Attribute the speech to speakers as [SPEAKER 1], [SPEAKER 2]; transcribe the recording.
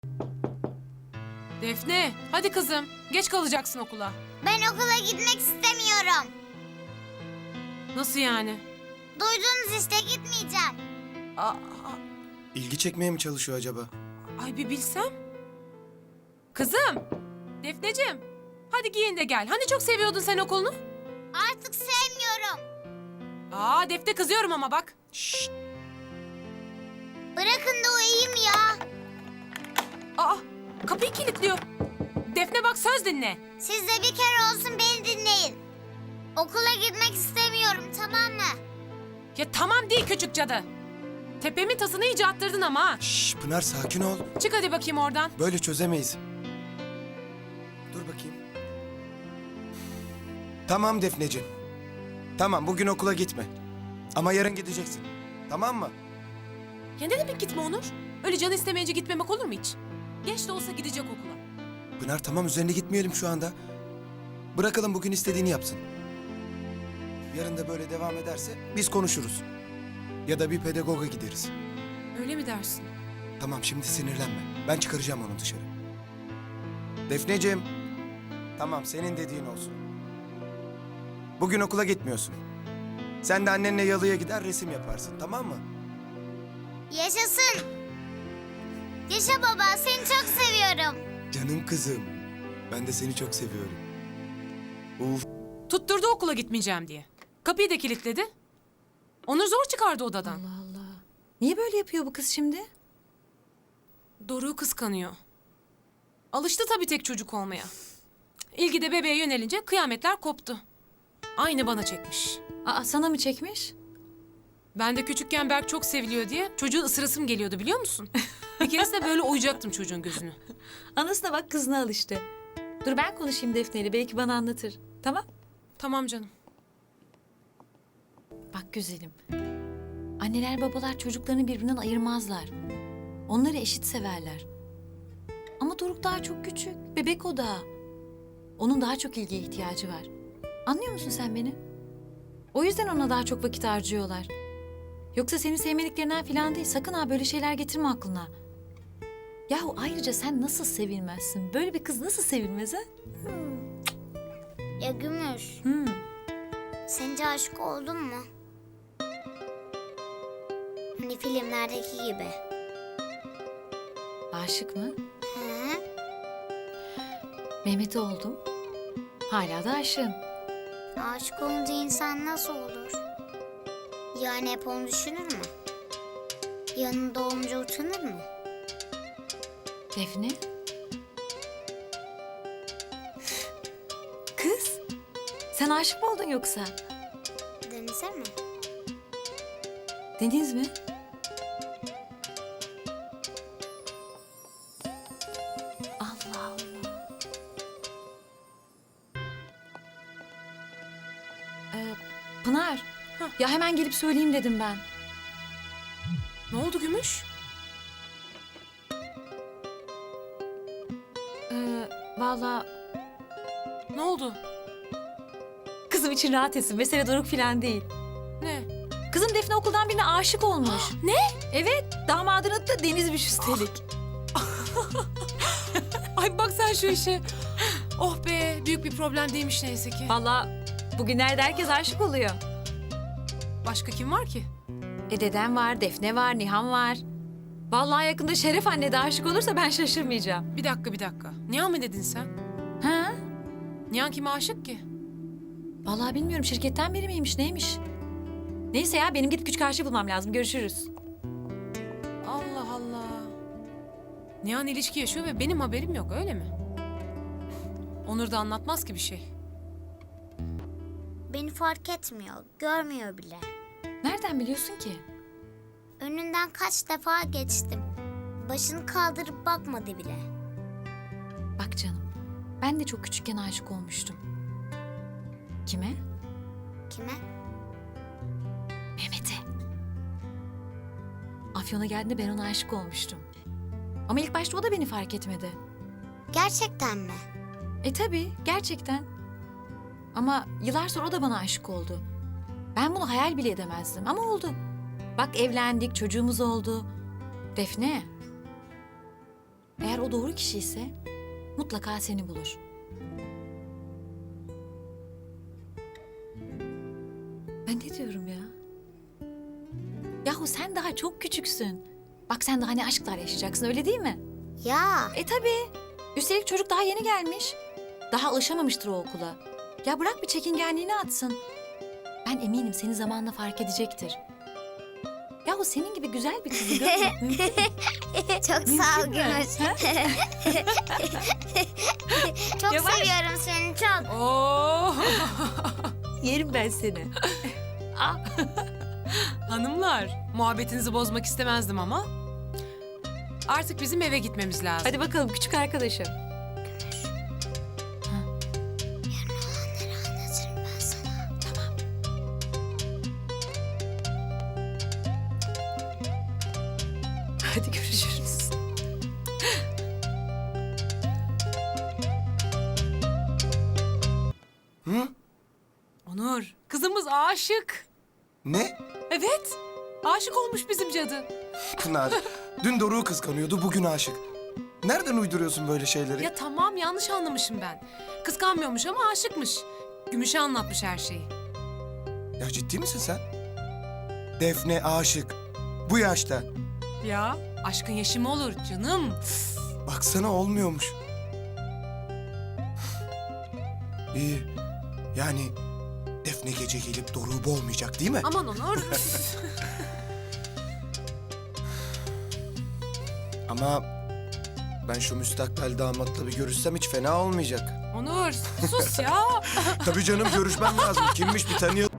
[SPEAKER 1] Defne, hadi kızım. Geç kalacaksın okula.
[SPEAKER 2] Ben okula gitmek istemiyorum.
[SPEAKER 1] Nasıl yani?
[SPEAKER 2] Duydunuz işte, gitmeyeceğim.
[SPEAKER 1] Aa,
[SPEAKER 3] İlgi çekmeye mi çalışıyor acaba?
[SPEAKER 1] ay bir bilsem. Kızım, Defneciğim. Hadi giyin de gel. Hani çok seviyordun sen okulunu?
[SPEAKER 2] Artık sevmiyorum.
[SPEAKER 1] Aa Defne, kızıyorum ama bak.
[SPEAKER 3] Şşt!
[SPEAKER 2] Bırakın da uyuyayım ya.
[SPEAKER 1] Aa, kapıyı kilitliyor. Defne bak, söz dinle.
[SPEAKER 2] Siz de bir kere olsun beni dinleyin. Okula gitmek istemiyorum, tamam mı?
[SPEAKER 1] Ya tamam değil küçük cadı. Tepemin tasını iyice attırdın ama ha.
[SPEAKER 3] Şşş Pınar sakin ol.
[SPEAKER 1] Çık hadi bakayım oradan.
[SPEAKER 3] Böyle çözemeyiz. Dur bakayım. Tamam Defneciğim. Tamam bugün okula gitme. Ama yarın gideceksin. Tamam mı?
[SPEAKER 1] Ya ne demek gitme Onur? Öyle canı istemeyince gitmemek olur mu hiç? Geç de olsa gidecek okula.
[SPEAKER 3] Pınar tamam üzerine gitmeyelim şu anda. Bırakalım bugün istediğini yapsın. Yarın da böyle devam ederse biz konuşuruz. Ya da bir pedagoga gideriz.
[SPEAKER 1] Öyle mi dersin?
[SPEAKER 3] Tamam şimdi sinirlenme. Ben çıkaracağım onu dışarı. Defneciğim. Tamam senin dediğin olsun. Bugün okula gitmiyorsun. Sen de annenle yalıya gider resim yaparsın, tamam mı?
[SPEAKER 2] Yaşasın. Yaşa baba, seni çok seviyorum.
[SPEAKER 3] Canım kızım. Ben de seni çok seviyorum. Uf.
[SPEAKER 1] Tutturdu okula gitmeyeceğim diye. Kapıyı da kilitledi. Onur zor çıkardı odadan.
[SPEAKER 4] Allah Allah. Niye böyle yapıyor bu kız şimdi?
[SPEAKER 1] Doruk'u kıskanıyor. Alıştı tabii tek çocuk olmaya. İlgi de bebeğe yönelince kıyametler koptu. Aynı bana çekmiş.
[SPEAKER 4] Aa, sana mı çekmiş?
[SPEAKER 1] Ben de küçükken Berk çok seviliyor diye çocuğu ısırasım geliyordu, biliyor musun? Bir keresinde böyle oyacaktım çocuğun gözünü.
[SPEAKER 4] Anasına bak, kızına al işte. Dur ben konuşayım Defne'yle, belki bana anlatır. Tamam?
[SPEAKER 1] Tamam canım.
[SPEAKER 4] Bak güzelim. Anneler babalar çocuklarını birbirinden ayırmazlar. Onları eşit severler. Ama Doruk daha çok küçük. Bebek o daha. Onun daha çok ilgiye ihtiyacı var. Anlıyor musun sen beni? O yüzden ona daha çok vakit harcıyorlar. Yoksa seni sevmediklerinden falan değil. Sakın ha böyle şeyler getirme aklına. Yahu ayrıca sen nasıl sevilmezsin? Böyle bir kız nasıl sevilmez ha?
[SPEAKER 2] Ya Gümüş, sence aşık oldun mu? Hani filmlerdeki gibi.
[SPEAKER 4] Aşık mı?
[SPEAKER 2] Hı?
[SPEAKER 4] Mehmet'e oldum. Hala da aşığım.
[SPEAKER 2] Aşık olunca insan nasıl olur? Yani hep onu düşünür mü? Yanında olunca utanır mı?
[SPEAKER 4] Defne? Kız, sen aşık mı oldun yoksa?
[SPEAKER 2] Denize mi?
[SPEAKER 4] Deniz mi? Allah Allah. Pınar, ya hemen gelip söyleyeyim dedim ben.
[SPEAKER 1] Ne oldu Gümüş?
[SPEAKER 4] Vallahi
[SPEAKER 1] Ne oldu?
[SPEAKER 4] kızım için rahat etsin. Mesele Doruk falan değil.
[SPEAKER 1] Ne?
[SPEAKER 4] Kızım Defne okuldan birine aşık olmuş.
[SPEAKER 1] Ne?
[SPEAKER 4] Evet, damadın adı da Deniz'miş üstelik.
[SPEAKER 1] Ay bak sen şu işe. Oh be, büyük bir problem değilmiş neyse ki.
[SPEAKER 4] Vallahi bugünlerde herkes aşık oluyor.
[SPEAKER 1] Başka kim var ki?
[SPEAKER 4] Dedem var, Defne var, Nihan var. Vallahi yakında Şeref anne de aşık olursa ben şaşırmayacağım.
[SPEAKER 1] Bir dakika. Nihan mı dedin sen?
[SPEAKER 4] Ha?
[SPEAKER 1] Nihan kime aşık ki?
[SPEAKER 4] Vallahi bilmiyorum, şirketten biri miymiş, neymiş? Neyse ya, benim gidip küçük karşı bulmam lazım. Görüşürüz.
[SPEAKER 1] Allah Allah. Nihan ilişki yaşıyor ve benim haberim yok, öyle mi? Onur da anlatmaz ki bir şey.
[SPEAKER 2] Beni fark etmiyor, görmüyor bile.
[SPEAKER 4] Nereden biliyorsun ki?
[SPEAKER 2] Önünden kaç defa geçtim. Başını kaldırıp bakmadı bile.
[SPEAKER 4] Bak canım, ben de çok küçükken aşık olmuştum. Kime?
[SPEAKER 2] Kime?
[SPEAKER 4] Mehmet'e. Afyon'a geldiğinde ben ona aşık olmuştum. Ama ilk başta o da beni fark etmedi.
[SPEAKER 2] Gerçekten mi?
[SPEAKER 4] Tabii, gerçekten. Ama yıllar sonra o da bana aşık oldu. Ben bunu hayal bile edemezdim ama oldu. Bak evlendik, çocuğumuz oldu. Defne, Eğer o doğru kişi ise mutlaka seni bulur. Ben ne diyorum ya? Yahu sen daha çok küçüksün. Bak sen daha ne aşklar yaşayacaksın, öyle değil mi?
[SPEAKER 2] Ya
[SPEAKER 4] Tabii. Üstelik çocuk daha yeni gelmiş. Daha alışamamıştır o okula. Ya bırak bir çekingenliğini atsın. Ben eminim seni zamanla fark edecektir. Yahu senin gibi güzel bir kızı görmek mümkün mü?
[SPEAKER 2] çok sağ ol
[SPEAKER 4] Mümkün mü?
[SPEAKER 2] Gümüş.
[SPEAKER 4] Ha?
[SPEAKER 2] Çok
[SPEAKER 4] Yavaş.
[SPEAKER 2] seviyorum seni çok.
[SPEAKER 1] Oo!
[SPEAKER 4] Yerim ben seni.
[SPEAKER 1] Hanımlar, muhabbetinizi bozmak istemezdim ama artık bizim eve gitmemiz lazım.
[SPEAKER 4] Hadi bakalım küçük arkadaşım.
[SPEAKER 2] Anlatırım ben sana.
[SPEAKER 4] Hadi görüşürüz.
[SPEAKER 3] Hı?
[SPEAKER 1] Onur, kızımız aşık.
[SPEAKER 3] Ne?
[SPEAKER 1] Evet, aşık olmuş bizim cadı.
[SPEAKER 3] Pınar, dün Doruk'u kıskanıyordu, bugün aşık. Nereden uyduruyorsun böyle şeyleri?
[SPEAKER 1] Ya tamam, yanlış anlamışım ben. Kıskanmıyormuş ama aşıkmış. Gümüş'e anlatmış her şeyi.
[SPEAKER 3] Ya ciddi misin sen? Defne aşık. Bu yaşta.
[SPEAKER 1] Ya, aşkın yaşı mı olur canım?
[SPEAKER 3] Baksana olmuyormuş. İyi. Yani Defne gece gelip Doruk'u boğmayacak değil mi?
[SPEAKER 1] Aman Onur.
[SPEAKER 3] Ama ben şu müstakbel damatla bir görüşsem hiç fena olmayacak.
[SPEAKER 1] Onur, sus ya.
[SPEAKER 3] Tabii canım görüşmem lazım. Kimmiş bir tanıyalım.